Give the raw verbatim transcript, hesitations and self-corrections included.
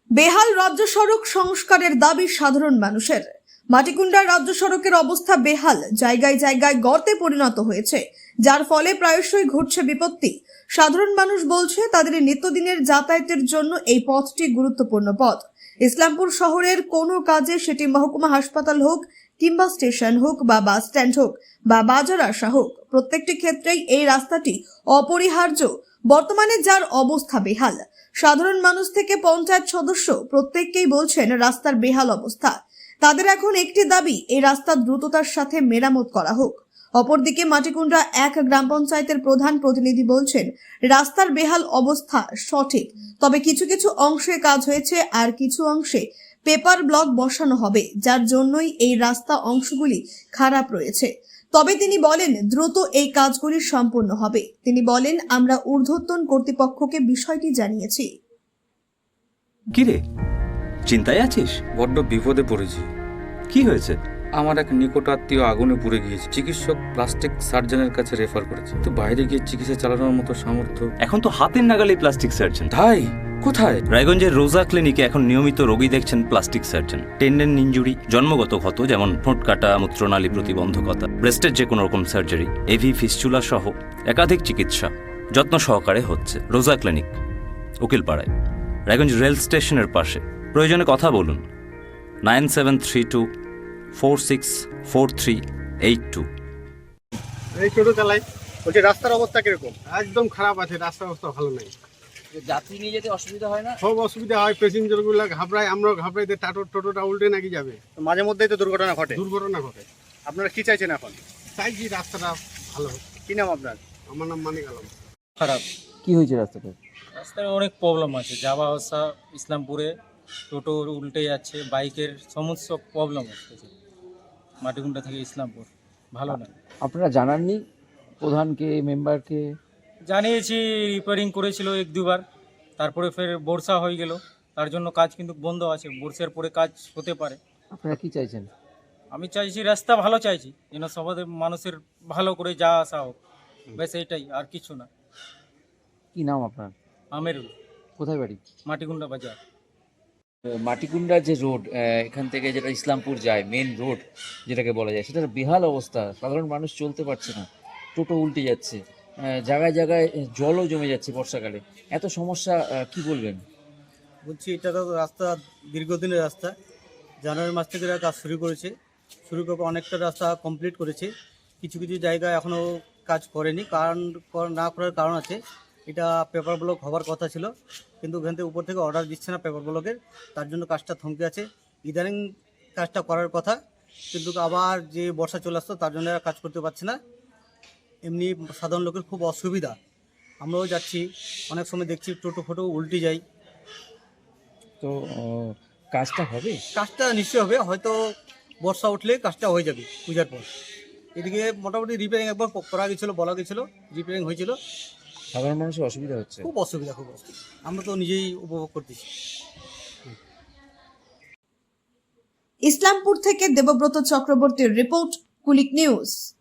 বেহাল রাজ্য সড়ক সংস্কারের দাবি সাধারণ মানুষের। মাটিকুন্ডার রাজ্য সড়কের অবস্থা বেহাল, জায়গায় জায়গায় গর্তে পরিণত হয়েছে, যার ফলে প্রায়শই ঘটছে বিপত্তি। সাধারণ মানুষ বলছে তাদের নিত্যদিনের যাতায়াতের জন্য এই পথটি গুরুত্বপূর্ণ পথ। ইসলামপুর শহরের কোনো কাজে, সেটি মহকুমা হাসপাতাল হোক কিংবা স্টেশন হোক বা বাস স্ট্যান্ড হোক বা বাজার আসা হোক, প্রত্যেকটি ক্ষেত্রেই এই রাস্তাটি অপরিহার্য। বর্তমানে যার অবস্থা বেহাল, সাধারণ মানুষ থেকে পঞ্চায়েত সদস্য প্রত্যেককেই বলছেন রাস্তার বেহাল অবস্থা। তাদের এখন একটি দাবি, এই রাস্তা দ্রুততার সাথে মেরামত করা হোক। অপরদিকে মাটিকুন্ডা এক গ্রাম পঞ্চায়েতের প্রধান প্রতিনিধি বলছেন রাস্তার বেহাল অবস্থা সঠিক, তবে কিছু কিছু অংশে কাজ হয়েছে আর কিছু অংশে পেপার ব্লক বসানো হবে, যার জন্যই এই রাস্তা অংশগুলি খারাপ রয়েছে। তবে তিনি বলেন দ্রুত এই কাজগুলি সম্পন্ন হবে। তিনি বলেন আমরা ঊর্ধ্বতন কর্তৃপক্ষকে বিষয়টি জানিয়েছি। কিরে, চিন্তায় আছিস? বড্ড বিপদে পড়েছি। কি হয়েছে? আমার এক নিকট আত্মীয় আগুনে পুড়ে গিয়েছে। চিকিৎসক প্লাস্টিক সার্জনের কাছে রেফার করেছে, তো বাইরে গিয়ে চিকিৎসা চালানোর মতো সামর্থ্য। এখন তো হাতের নাগালে প্লাস্টিক সার্জন। তাই কোথায়? রায়গঞ্জের রোজা ক্লিনিকে এখন নিয়মিত রোগী দেখছেন প্লাস্টিক সার্জন। টেন্ডেন ইনজুরি, জন্মগত ক্ষত যেমন ঠোঁট কাটা, মূত্রনালী প্রতিবন্ধকতা, ব্রেস্টের যে কোনো রকম সার্জারি, এভি ফিস্চুলা সহ একাধিক চিকিৎসা যত্ন সহকারে হচ্ছে রোজা ক্লিনিক, উকিলপাড়ায়, রায়গঞ্জ রেল স্টেশনের পাশে। প্রয়োজনে কথা বলুন nine seven three two four six four three eight two. এই টোটো চালাই, বলছি রাস্তার অবস্থা কিরকম? একদম খারাপ আছে, রাস্তার অবস্থা ভালো নেই। যাত্রী নিয়ে যেতে অসুবিধা হয় না? সব অসুবিধা হয়, প্যাসেঞ্জার গুলো ঘাবড়ায়, আমরাও ঘাবড়াই, টাটো টোটোটা উল্টে নাকি যাবে। মাঝে মধ্যেই তো দুর্ঘটনা ঘটে। দুর্ঘটনা ঘটে। আপনারা কি চাইছেন এখন? চাইছি রাস্তাটা ভালো হোক। কি নাম আপনার? আমার নাম মানিক আলম। খারাপ। কি হয়েছে রাস্তাটা? রাস্তায় অনেক প্রবলেম আছে, যাওয়া আসা ইসলামপুরে টোটো উল্টে যাচ্ছে, বাইকের সমস্ত প্রবলেম হচ্ছে মাটিকুন্ডা থেকে ইসলামপুর, ভালো না। আপনারা জানাননি প্রধানকে, মেম্বারকে? জানিয়েছি, রিপেয়ারিং করেছিল এক দুবার, তারপরে ফের বর্ষা হয়ে গেল, তার জন্য কাজ কিন্তু বন্ধ আছে। বর্ষার পরে কাজ হতে পারে। আপনারা কি চাইছেন? আমি চাইছি রাস্তা ভালো চাইছি, যেন সবাই মানুষের ভালো করে যাওয়া আসা হোক, ব্যাস এইটাই, আর কিছু না। কি নাম আপনার? আমেরুল। কোথায় বাড়ি? মাটিকুন্ডা বাজার। মাটিকুন্ডা যে রোড, এখান থেকে যেটা ইসলামপুর যায়, মেন রোড যেটাকে বলা যায়, সেটার বেহাল অবস্থা। সাধারণ মানুষ চলতে পারছে না, টোটো উল্টে যাচ্ছে, জায়গায় জায়গায় জলও জমে যাচ্ছে বর্ষাকালে। এত সমস্যা, কি বলবেন? বলছি এটা তো রাস্তা দীর্ঘদিনের রাস্তা, জানুয়ারি মাস থেকে এরা কাজ শুরু করেছে, শুরু করে অনেকটা রাস্তা কমপ্লিট করেছে। কিছু কিছু জায়গায় এখনও কাজ করেনি, কারণ না করার কারণ আছে, এটা পেপার ব্লক হওয়ার কথা ছিল, কিন্তু ওখান থেকে উপর থেকে অর্ডার দিচ্ছে না পেপার ব্লকের, তার জন্য কাজটা থমকে আছে। ইদানিং কাজটা করার কথা, কিন্তু আবার যে বর্ষা চলে আসতো তার জন্য এরা কাজ করতে পারছে না। এমনি সাধারণ লোকের খুব অসুবিধা, আমরাও যাচ্ছি, অনেক সময় দেখছি টোটো ফোটো উল্টে যায়। তো কাজটা হবে? কাজটা নিশ্চয় হবে, হয়তো বর্ষা উঠলে কাজটা হয়ে যাবে পূজার পর। এদিকে মোটামুটি রিপেয়ারিং একবার করা গেছিলো, বলা গেছিলো, রিপেয়ারিং হয়েছিল। সাধারণ মানুষের অসুবিধা হচ্ছে, খুব অসুবিধা, খুব অসুবিধা, আমরা তো নিজেই উপভোগ করতেছি। ইসলামপুর থেকে দেবব্রত চক্রবর্তীর রিপোর্ট, কুলিক নিউজ।